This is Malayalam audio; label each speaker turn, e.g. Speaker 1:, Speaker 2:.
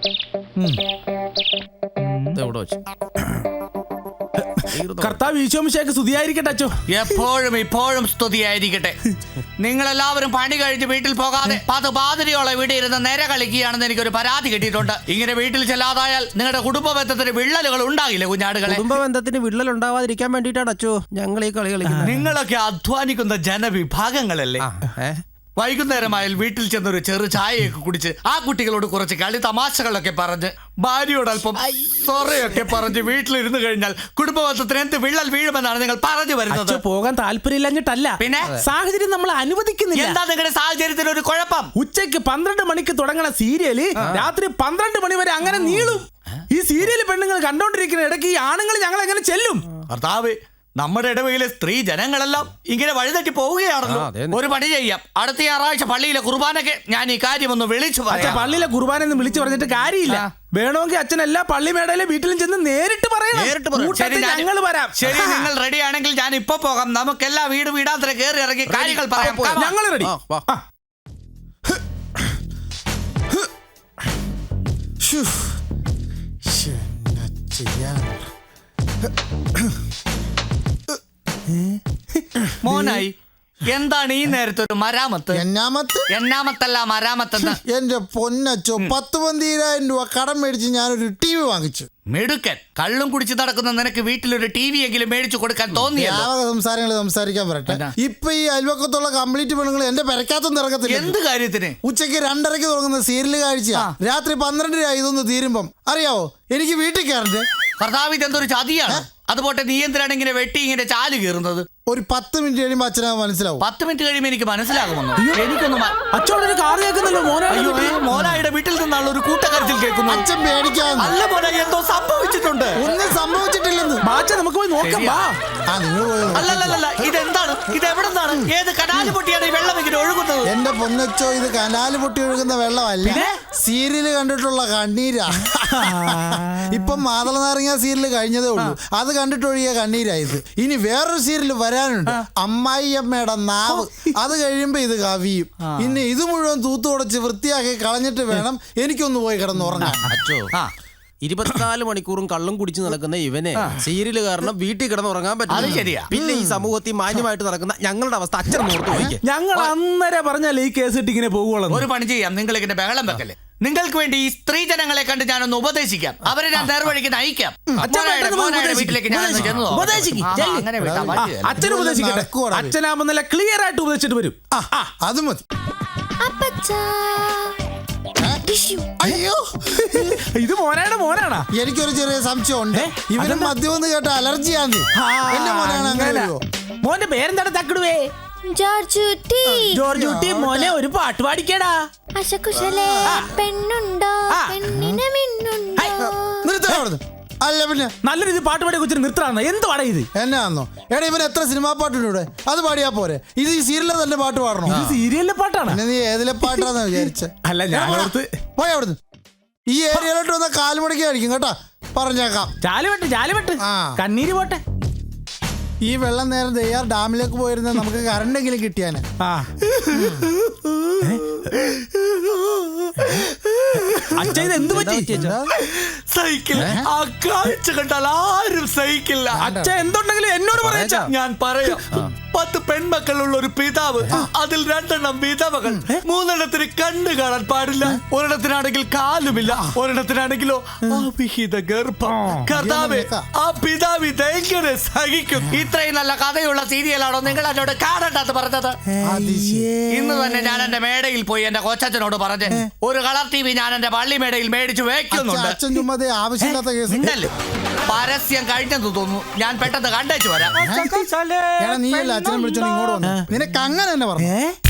Speaker 1: കർത്താവ് ഈശോമിശിഹായ്ക്ക് സ്തുതിയായിരിക്കട്ടെ അച്ചോ.
Speaker 2: എപ്പോഴും ഇപ്പോഴും സ്തുതിയായിരിക്കട്ടെ. നിങ്ങളെല്ലാവരും പണി കഴിഞ്ഞ് വീട്ടിൽ പോകാതെ പാതിരിയോളം ഇവിടെ ഇരുന്ന് നേരെ കളിക്കുകയാണെന്ന് എനിക്കൊരു പരാതി കിട്ടിയിട്ടുണ്ട്. ഇങ്ങനെ വീട്ടിൽ ചെല്ലാതായാൽ നിങ്ങളുടെ കുടുംബ ബന്ധത്തിന് വിള്ളലുകൾ ഉണ്ടാകില്ലേ കുഞ്ഞാടുകളെ?
Speaker 3: കുടുംബ ബന്ധത്തിന് വിള്ളൽ ഉണ്ടാവാതിരിക്കാൻ വേണ്ടിയിട്ടാണ് അച്ചോ ഞങ്ങൾ ഈ കളി കളിക്കുന്നത്.
Speaker 2: നിങ്ങളൊക്കെ അധ്വാനിക്കുന്ന ജനവിഭാഗങ്ങളല്ലേ? വൈകുന്നേരമായാൽ വീട്ടിൽ ചെന്നൊരു ചെറു ചായയൊക്കെ കുടിച്ച് ആ കുട്ടികളോട് കുറച്ച് കളി തമാശകളൊക്കെ പറഞ്ഞ് ഭാര്യയോട് അല്പം സൊറയൊക്കെ പറഞ്ഞ് വീട്ടിലിരുന്ന് കഴിഞ്ഞാൽ കുടുംബബന്ധത്തിന് എന്ത് വിള്ളൽ വീഴുമെന്നാണ് നിങ്ങൾ പറഞ്ഞു വരുന്നത്.
Speaker 1: പോകാൻ താല്പര്യമില്ലഞ്ഞിട്ടല്ല,
Speaker 2: പിന്നെ
Speaker 1: സാഹചര്യം നമ്മൾ അനുവദിക്കുന്നില്ല.
Speaker 2: എന്താ നിങ്ങളുടെ സാഹചര്യത്തിന് ഒരു കുഴപ്പം?
Speaker 1: ഉച്ചയ്ക്ക് 12 മണിക്ക് തുടങ്ങണ സീരിയല് രാത്രി 12 മണി വരെ അങ്ങനെ നീളും. ഈ സീരിയല് പെണ്ണുങ്ങൾ കണ്ടോണ്ടിരിക്കുന്ന ഇടയ്ക്ക് ഈ ആണുങ്ങൾ ഞങ്ങൾ എങ്ങനെ ചെല്ലും?
Speaker 2: ഭർത്താവ്, നമ്മുടെ ഇടവയിലെ സ്ത്രീ ജനങ്ങളെല്ലാം ഇങ്ങനെ വഴിതെറ്റി പോവുകയാണല്ലോ. ഒരു പണി ചെയ്യാം, അടുത്ത ഞായറാഴ്ച പള്ളിയിലെ കുർബാനയ്ക്ക് ഞാൻ ഈ കാര്യം ഒന്ന് വിളിച്ചു പറയാം.
Speaker 1: പള്ളിയിലെ കുർബാന ഒന്ന് വിളിച്ചു പറഞ്ഞിട്ട് കാര്യമില്ല. വേണമെങ്കിൽ അച്ഛൻ എല്ലാ പള്ളിമേടയിലെ വീട്ടിലും ചെന്ന് നേരിട്ട് പറയണം. ഞങ്ങൾ വരാം.
Speaker 2: ശരി, നിങ്ങൾ റെഡി ആണെങ്കിൽ ഞാൻ ഇപ്പൊ പോകാം. നമുക്കെല്ലാം വീടാന്തര കയറി ഇറങ്ങി കാര്യങ്ങൾ പറയാം.
Speaker 1: ഞങ്ങൾ റെഡി.
Speaker 2: മോനായി, എന്താണ് ഈ നേരത്തെ ഒരു മരാമത്ത്? എന്നാമത്തല്ല മരാമത്തെന്ന്.
Speaker 4: എന്റെ പൊന്നച്ചോ, 10,000 രൂപ കടം മേടിച്ച് ഞാനൊരു TV വാങ്ങിച്ചു.
Speaker 2: മിടുക്കൻ. കള്ളും കുടിച്ച് നടക്കുന്ന നിനക്ക് വീട്ടിലൊരു TV എങ്കിലും മേടിച്ചു കൊടുക്കാൻ തോന്നിയല്ലോ.
Speaker 4: സംസാരങ്ങൾ സംസാരിക്കാൻ പറയട്ടെ. ഇപ്പൊ ഈ അയൽവക്കത്തുള്ള കംപ്ലീറ്റ് പെണ്ണുങ്ങൾ എന്റെ പെരക്കകത്തൊന്നും ഇറക്കത്തില്ല.
Speaker 2: എന്ത് കാര്യത്തിന്?
Speaker 4: ഉച്ചയ്ക്ക് 2:30 തുടങ്ങുന്ന സീരിയൽ കാഴ്ച രാത്രി 12 ഇതൊന്ന് തീരുമ്പം അറിയാവോ എനിക്ക് വീട്ടിൽ കയറണ്ടേ?
Speaker 2: കർത്താവ്, ഇതെന്തൊരു ചതിയാണ്. അതുപോട്ടെ, നീ എന്തിനാണ് ഇങ്ങനെ വെട്ടി ഇങ്ങനെ ചാല് കീറുന്നത്?
Speaker 4: ഒരു 10 മിനിറ്റ് കഴിയുമ്പോൾ അച്ഛനാ മനസ്സിലാവും.
Speaker 2: 10 മിനിറ്റ് കഴിയുമ്പോൾ എനിക്ക് മനസ്സിലാകുമെന്നോ? എനിക്കൊന്നും
Speaker 1: അച്ഛനൊരു കാർ കേൾക്കുന്നല്ലോ.
Speaker 2: മോനായുടെ വീട്ടിൽ നിന്നുള്ള ഒരു കൂട്ടക്കരച്ചിൽ കേൾക്കുന്നു.
Speaker 4: അച്ഛൻ പേടിക്കാൻ.
Speaker 2: അല്ല മോനെ, എന്തോ സംഭവിച്ചിട്ടുണ്ട്.
Speaker 4: ഒന്നും സംഭവിച്ചിട്ടില്ലെന്ന്.
Speaker 1: നമുക്ക് പോയി നോക്കാം.
Speaker 2: അല്ലല്ല, ഇതെന്താണ്? ഇത് എവിടെ നിന്നാണ്? ഏത് കനാല് പൊട്ടിയാണ് ഈ വെള്ളം ഇങ്ങനെ ഒഴുകുന്നത്?
Speaker 4: എന്റെ പൊന്നച്ചോ, ഇത് കനാല് പൊട്ടി ഒഴുകുന്ന വെള്ളമല്ല, സീരിയല് കണ്ടിട്ടുള്ള കണ്ണീരാ. ഇപ്പം മാതള നാരങ്ങ സീരിയല് കഴിഞ്ഞതേ ഉള്ളൂ, അത് കണ്ടിട്ടൊഴിയ കണ്ണീരായത്. ഇനി വേറൊരു സീരിയല് വരാനുണ്ട്, അമ്മായിയമ്മയുടെ നാവ്. അത് കഴിയുമ്പോ ഇത് കവിയും. ഇനി ഇത് മുഴുവൻ തൂത്തുടച്ച് വൃത്തിയാക്കി കളഞ്ഞിട്ട് വേണം എനിക്കൊന്ന് പോയി കിടന്നുറങ്ങാൻ.
Speaker 3: 24 മണിക്കൂറും കള്ളും കുടിച്ച് നടക്കുന്ന ഇവനെ സീരിയല് കാരണം വീട്ടിൽ കിടന്നുറങ്ങാൻ പറ്റില്ല. പിന്നെ ഈ സമൂഹത്തിൽ മാന്യമായിട്ട് നടക്കുന്ന ഞങ്ങളുടെ അവസ്ഥ അച്ഛൻ ഓർത്ത് പോയിക്കേ.
Speaker 1: ഞങ്ങൾ അന്നേരം പറഞ്ഞാൽ ഈ കേസ് ഇട്ട് ഇങ്ങനെ പോകുള്ളൂ.
Speaker 2: ഒരു പണി ചെയ്യാം, നിങ്ങൾ ഇങ്ങനെ ബഹളം വെക്കല്ലേ. നിങ്ങൾക്ക് വേണ്ടി ഈ സ്ത്രീ ജനങ്ങളെ കണ്ട് ഞാനൊന്ന് ഉപദേശിക്കാം. അവരെ ഞാൻ നേർവഴിക്ക് നയിക്കാം. വീട്ടിലേക്ക് ഞാൻ
Speaker 1: അച്ഛനാകുമ്പോ നല്ല ക്ലിയർ ആയിട്ട് ഉപദേശിച്ചിട്ട് വരും.
Speaker 4: അത് മതി.
Speaker 1: അയ്യോ, ഇത് മോനാണോ?
Speaker 4: എനിക്കൊരു ചെറിയ സംശയം ഉണ്ട്. ഇവന് മദ്യം എന്ന് കേട്ട അലർജിയാന്ന്. എന്റെ മോനാണ് അങ്ങനെ.
Speaker 1: മോന്റെ പേരെന്താണ്? തക്കിടുവേ ജോർജുട്ടി. മോനെ ഒരു പാട്ട് പാടിക്കടാ.
Speaker 4: അല്ല പിന്നെ
Speaker 1: നല്ല രീതി പാട്ട് പാടിയ കൊച്ചിന് നിർത്തണം. എന്ത് പാടാ ഇത്?
Speaker 4: എന്നാന്നോ? എടാ, ഇവന് എത്ര സിനിമാ പാട്ടുണ്ട് ഇവിടെ, അത് പാടിയാ പോരെ? ഇത് ഈ സീരിയലിലെ തന്നെ പാട്ട് പാടണോ?
Speaker 1: സീരിയലിലെ പാട്ടാണ്.
Speaker 4: നീ ഏതിലെ പാട്ടാന്ന് വിചാരിച്ച?
Speaker 1: അല്ല, ഞാൻ
Speaker 4: പോയി അവിടുന്ന്. ഈ ഏരിയയിലോട്ട് വന്ന കാലുമടക്കി കഴിക്കും കേട്ടാ, പറഞ്ഞേക്കാം.
Speaker 1: ചാലുവെട്ട് കണ്ണീര് പോട്ടെ.
Speaker 4: ഈ വെള്ളം നേരം നെയ്യാർ ഡാമിലേക്ക് പോയിരുന്ന നമുക്ക് കറണ്ടെങ്കിലും കിട്ടിയാനെ.
Speaker 1: അച്ഛൻ എന്ത് പറ്റി?
Speaker 2: സഹിക്കില്ല. ആ കാഴ്ച കണ്ടാൽ ആരും സഹിക്കില്ല.
Speaker 1: അച്ഛൻ എന്തുണ്ടെങ്കിലും എന്നോട് പറയാ.
Speaker 2: ഞാൻ പറയാം. 10 പെൺമക്കളുള്ള ഒരു പിതാവ്, അതിൽ 2 വിധവകൾ. 3 കണ്ണ് കാണാൻ പാടില്ല. ഒരിടത്തിനാണെങ്കിൽ കാലുമില്ല, ഒരിടത്തിനാണെങ്കിലോ അവിഹിത ഗർഭം. കർത്താവേ, ആ പിതാവ് ഇതെങ്ങനെ സഹിക്കും? ഇത്രയും നല്ല കഥയുള്ള സീരിയലാണോ നിങ്ങൾ എന്നോട് കാണണ്ടെന്ന് പറഞ്ഞത്? ഇന്ന് തന്നെ ഞാൻ എന്റെ മേടയിൽ പോയി എന്റെ കൊച്ചച്ഛനോട് പറഞ്ഞ് ഒരു കളർ TV ഞാൻ എന്റെ പള്ളി മേടയിൽ മേടിച്ചു വെക്കുന്നുണ്ട്. പരസ്യം കഴിഞ്ഞെന്ന് തോന്നുന്നു. ഞാൻ പെട്ടെന്ന് കണ്ടേച്ചു വരാം.
Speaker 4: നീ അച്ഛനെ വിളിച്ചോണ്ട് ഇങ്ങോട്ട് വന്നു. നിനക്ക് അങ്ങനെ തന്നെ പറഞ്ഞു.